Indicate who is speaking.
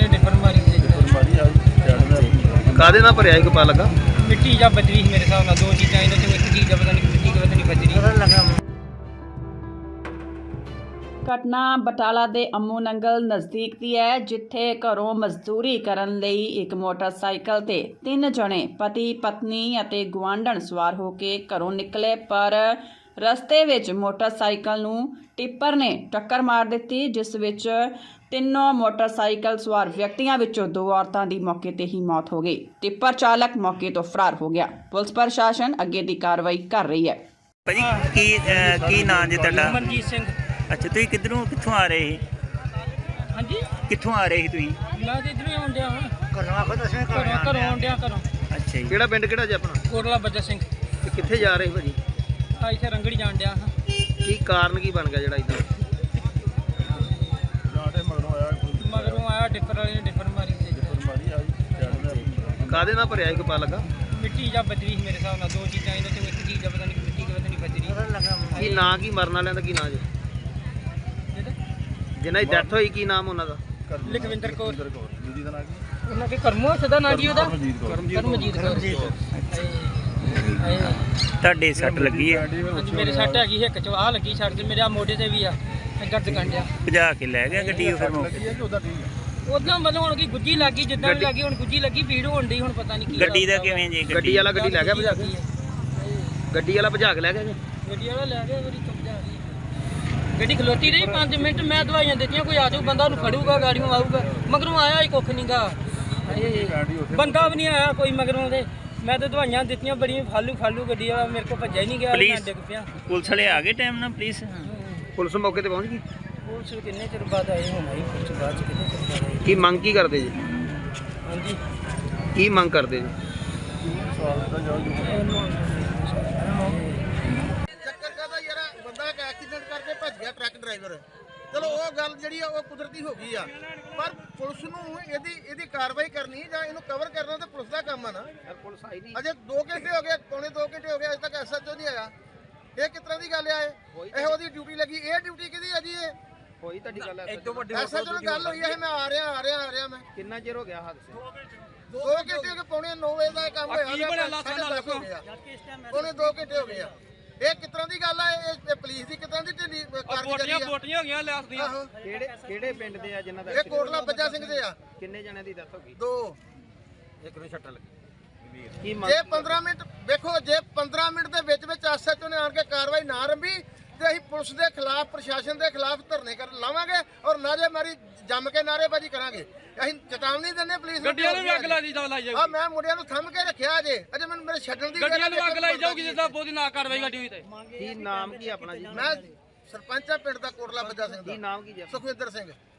Speaker 1: वाले ने डिफर मारी
Speaker 2: ਕਾਦੇ ਨਾਲ ਭਰਿਆ ਇੱਕ ਪਾ ਲੱਗਾ
Speaker 1: मिट्टी या बजरी मेरे हिसाब नाल दो चीज़ां इन्हां चों एक चीज़ पता नहीं बजरी।
Speaker 3: ਘਟਨਾ ਬਟਾਲਾ ਦੇ ਅੰਮੂ ਨੰਗਲ ਨਜ਼ਦੀਕ ਦੀ ਹੈ, ਜਿੱਥੇ ਘਰੋਂ ਮਜ਼ਦੂਰੀ ਕਰਨ ਲਈ ਇੱਕ ਮੋਟਰਸਾਈਕਲ ਤੇ 3 ਜਣੇ ਪਤੀ ਪਤਨੀ ਅਤੇ ਗੁਆਂਢਣ ਸਵਾਰ ਹੋ ਕੇ ਘਰੋਂ ਨਿਕਲੇ, ਪਰ ਰਸਤੇ ਵਿੱਚ ਮੋਟਰਸਾਈਕਲ ਨੂੰ ਟਿੱਪਰ ਨੇ ਟੱਕਰ ਮਾਰ ਦਿੱਤੀ, ਜਿਸ ਵਿੱਚ ਤਿੰਨੋਂ ਮੋਟਰਸਾਈਕਲ ਸਵਾਰ ਵਿਅਕਤੀਆਂ ਵਿੱਚੋਂ 2 ਔਰਤਾਂ ਦੀ ਮੌਕੇ ਤੇ ਹੀ ਮੌਤ ਹੋ ਗਈ। ਟਿੱਪਰ ਚਾਲਕ ਮੌਕੇ ਤੋਂ ਫਰਾਰ ਹੋ ਗਿਆ। ਪੁਲਿਸ ਪ੍ਰਸ਼ਾਸਨ ਅੱਗੇ ਦੀ ਕਾਰਵਾਈ ਕਰ ਰਹੀ ਹੈ।
Speaker 4: ਭਾਜੀ ਕੀ ਨਾਂ ਜੀ ਤੁਹਾਡਾ?
Speaker 1: मनजीत सिंह।
Speaker 4: ਅੱਛਾ, ਤੁਸੀਂ ਕਿੱਥੋਂ ਆ ਰਹੇ ਸੀ?
Speaker 1: हाँ जी,
Speaker 4: ਕਿੱਥੋਂ ਆ ਰਹੇ ਸੀ ਤੁਸੀਂ?
Speaker 1: मैं तो इधर ही आउण डिया हाँ घरों आउण डिया घरों।
Speaker 4: ਅੱਛਾ ਜੀ,
Speaker 2: ਕਿਹੜਾ ਪਿੰਡ ਕਿਹੜਾ ਜੀ ਆਪਣਾ
Speaker 1: कोटला बज्जा सिंह।
Speaker 2: ਤੇ ਕਿੱਥੇ ਜਾ ਰਹੇ ਭਾਜੀ?
Speaker 1: आ इत्थे रंगड़ी जाण डिया हाँ।
Speaker 2: ਕੀ ਕਾਰਨ ਕੀ ਬਣ ਗਿਆ ਜਿਹੜਾ ਇਦਾਂ?
Speaker 1: मगरों आया डिफर वाले ने डिफर मारी
Speaker 2: ਕਾਦੇ ਨਾਲ ਭਰਿਆ ਇੱਕ ਪਾ ਲੱਗਾ
Speaker 1: मिट्टी या बजरी मेरे हिसाब नाल दो चीज़ां इन्हां चों एक चीज़ पता नहीं बजरी।
Speaker 2: ਕੀ ਨਾਂ ਕੀ ਮਰਨ ਵਾਲਿਆਂ ਦਾ ਕੀ ਨਾਂ ਜੀ ਜਿਨ੍ਹਾਂ ਦੀ ਡੈਥ ਹੋਈ ਕੀ ਨਾਮ ਉਹਨਾਂ ਦਾ?
Speaker 1: ਲਖਵਿੰਦਰ ਕੌਰ ਉਹਨਾਂ ਦੇ ਕਰਮੋ ਸਦਾ ਨਾਂ ਕੀ ਉਹਦਾ? ਕਰਮਜੀਤ ਕੌਰ।
Speaker 4: ਤੁਹਾਡੇ ਸੱਟ ਲੱਗੀ ਹੈ?
Speaker 1: ਹਾਂਜੀ, ਮੇਰੇ ਸੱਟ ਹੈਗੀ ਹਿੱਕ ਚ, ਆ ਲੱਗੀ ਸੱਟ ਤੇ ਮੇਰੇ ਆ ਮੋਢੇ ਤੇ ਵੀ ਆ ਦਰਦ ਕੰਡਿਆ।
Speaker 4: ਭਜਾ ਕੇ ਲੈ ਗਿਆ ਗੱਡੀ ਉਹ ਫਿਰ ਮੌਕੇ?
Speaker 1: ਉਦੋਂ ਮਤਲਬ ਹੁਣ ਕੀ ਗੁੱਜੀ ਲੱਗੀ, ਜਿੱਦਾਂ ਵੀ ਲੱਗੀ ਹੁਣ ਗੁੱਜੀ ਲੱਗੀ, ਭੀੜ ਹੋਣ ਡਈ, ਹੁਣ ਪਤਾ ਨਹੀਂ ਕੀ
Speaker 4: ਗੱਡੀ ਦਾ ਕਿਵੇਂ ਜੀ?
Speaker 2: ਗੱਡੀ ਵਾਲਾ ਗੱਡੀ ਲੈ ਗਿਆ ਭਜਾ ਕੇ? ਗੱਡੀ ਵਾਲਾ ਭਜਾ ਕੇ ਲੈ ਗਿਆ ਜੀ?
Speaker 1: ਗੱਡੀ ਵਾਲਾ ਲੈ ਗਿਆ, ਮੇਰੀ ਚੁੱਪ ਜਾ ਰਹੀ ਗੱਡੀ ਖਲੋਤੀ ਰਹੀ 5 ਮਿੰਟ, ਮੈਂ ਦਵਾਈਆਂ ਦਿੱਤੀਆਂ, ਕੋਈ ਆ ਜਾਊ ਬੰਦਾ ਉਹਨੂੰ ਫੜੂਗਾ, ਗਾੜੀਆਂ ਆਊਗਾ, ਮਗਰੋਂ ਆਇਆ ਹੀ ਕੁੱਖ ਨਹੀਂਗਾ, ਬੰਦਾ ਵੀ ਨਹੀਂ ਆਇਆ ਕੋਈ ਮਗਰੋਂ ਦੇ। ਮੈਂ ਤਾਂ ਦਵਾਈਆਂ ਦਿੱਤੀਆਂ ਬੜੀਆਂ, ਫਾਲੂ ਗੱਡੀ ਵਾਲਾ ਮੇਰੇ ਕੋਲ ਭੱਜਿਆ ਹੀ ਨਹੀਂ ਗਿਆ, ਮੈਂ ਡਿੱਗ ਪਿਆ।
Speaker 4: ਪੁਲਿਸ ਵਾਲੇ ਆ ਗਏ ਟਾਈਮ ਨਾਲ?
Speaker 2: ਪੁਲਿਸ ਮੌਕੇ ਤੇ ਪਹੁੰਚ ਗਈ?
Speaker 1: ਪੁਲਿਸ ਕਿੰਨੇ ਚਿਰ ਬਾਅਦ ਆਏ ਹੁਣ ਆਈ ਪੁਲਿਸ ਬਾਅਦ ਚ, ਕਿੰਨੇ ਚਿਰ ਬਾਅਦ ਆਈ।
Speaker 2: ਕੀ ਮੰਗ ਕੀ ਕਰਦੇ ਜੀ?
Speaker 1: ਹਾਂਜੀ,
Speaker 2: ਕੀ ਮੰਗ ਕਰਦੇ ਜੀ?
Speaker 5: ਚੱਕਰ ਕਾਹਦਾ ਯਾਰ, ਬੰਦਾ ਇੱਕ ਐਕਸੀਡੈਂਟ ਕਰਕੇ ਭੱਜ ਗਿਆ ਟਰੱਕ ਡਰਾਈਵਰ। ਚਲੋ ਉਹ ਗੱਲ ਜਿਹੜੀ ਆ ਉਹ ਕੁਦਰਤੀ ਹੋ ਗਈ ਆ, ਪਰ ਪੁਲਿਸ ਨੂੰ ਇਹਦੀ ਕਾਰਵਾਈ ਕਰਨੀ ਜਾਂ ਇਹਨੂੰ ਕਵਰ ਕਰਨਾ ਤਾਂ ਪੁਲਿਸ ਦਾ ਕੰਮ ਆ ਨਾ।
Speaker 2: ਪੁਲਿਸ ਆਈ ਨਹੀਂ
Speaker 5: ਅਜੇ 2 ਘੰਟੇ ਹੋ ਗਏ, ਪੌਣੇ 2 ਘੰਟੇ ਹੋ ਗਏ, ਅਜੇ ਤੱਕ ਐਸਐਚਓ ਨਹੀਂ ਆਇਆ। ਇਹ ਕਿਸ ਤਰ੍ਹਾਂ ਦੀ ਗੱਲ ਆ? ਇਹ ਉਹਦੀ ਡਿਊਟੀ ਲੱਗੀ, ਇਹ ਡਿਊਟੀ ਕਿਹਦੀ ਆ ਜੀ? ਇਹ
Speaker 2: ਹੋਈ ਤੁਹਾਡੀ ਗੱਲ?
Speaker 5: ਐਸਐਚਓ ਨਾਲ ਗੱਲ ਹੋਈ ਹੈ, ਮੈਂ ਆ ਰਿਹਾ ਮੈਂ।
Speaker 2: ਕਿੰਨਾ ਚਿਰ ਹੋ ਗਿਆ ਹਾਦਸੇ?
Speaker 5: 2 ਘੰਟੇ ਹੋ ਗਏ, ਪੌਣੇ 9 ਵਜੇ ਦਾ ਇਹ ਕੰਮ ਹੋਇਆ, ਪੌਣੇ 2 ਘੰਟੇ ਹੋ ਗਏ ਆ। ਇਹ ਕਿਸ ਤਰ੍ਹਾਂ ਦੀ ਗੱਲ ਆ? ਇਹ ਪੁਲਿਸ ਦੀ ਕਿਸ ਤਰ੍ਹਾਂ ਦੀ ਢਿੱਲੀ ਕਾਰਗੁਜ਼ਾਰੀ ਆ?
Speaker 1: ਬੋਟੀਆਂ ਹੋ ਗਈਆਂ ਲਿਆਸ ਦੀਆਂ।
Speaker 5: ਆਹੋ,
Speaker 2: ਕਿਹੜੇ ਪਿੰਡ ਦੇ ਆ ਜਿਨ੍ਹਾਂ ਦਾ
Speaker 5: ਇਹ ਕੋਟਲਾ ਬੱਜਾ ਸਿੰਘ ਦੇ ਆ।
Speaker 2: ਕਿੰਨੇ ਜਣਿਆਂ ਦੀ ਡੈਥ ਹੋ ਗਈ?
Speaker 5: 2।
Speaker 2: ਇੱਕ ਨੂੰ ਛੱਟਾ ਲੱਗੀ। ਕੀ
Speaker 5: ਜੇ 15 ਮਿੰਟ ਵੇਖੋ, ਜੇ 15 ਮਿੰਟ ਦੇ ਵਿੱਚ ਐਸਐਚਓ ਨੇ ਆਣ ਕੇ ਕਾਰਵਾਈ ਨਾ ਰੰਭੀ ਤੇ ਅਸੀਂ ਪੁਲਿਸ ਦੇ ਖਿਲਾਫ, ਪ੍ਰਸ਼ਾਸਨ ਦੇ ਖਿਲਾਫ ਧਰਨੇ ਲਾਵਾਂਗੇ ਔਰ ਨਾਅਰੇਬਾਜ਼ੀ ਜੰਮ ਕੇ ਨਾਅਰੇਬਾਜ਼ੀ ਕਰਾਂਗੇ। ਅਸੀਂ ਚੇਤਾਵਨੀ ਦਿੰਦੇ ਪੁਲਿਸ ਨੂੰ, ਗੱਡੀਆਂ ਨੂੰ ਵੀ ਅੱਗ ਲਾਈ ਜਾਊਗੀ। ਆ ਮੈਂ ਮੁੰਡਿਆਂ ਨੂੰ ਥੰਮ ਕੇ ਰੱਖਿਆ ਅਜੇ ਮੈਨੂੰ ਮੇਰੇ ਛੱਡਣ ਦੀ
Speaker 1: ਗੱਡੀਆਂ ਨੂੰ ਅੱਗ ਲਾਈ ਜਾਊਗੀ ਜਿੱਦਾਂ ਬਹੁਤੀ ਨਾ ਕਾਰਵਾਈ ਗੱਡੀ ਹੋਈ ਤੇ।
Speaker 2: ਕੀ ਨਾਮ ਕੀ ਆਪਣਾ ਜੀ?
Speaker 5: ਮੈਂ ਸਰਪੰਚ ਆ ਪਿੰਡ ਦਾ ਕੋਟਲਾ ਬੱਜਾ ਸਿੰਘ
Speaker 2: ਕੀ
Speaker 5: ਦਾ,
Speaker 2: ਨਾਮ ਕੀ ਜੀ?
Speaker 5: ਸੁਖਵਿੰਦਰ ਸਿੰਘ।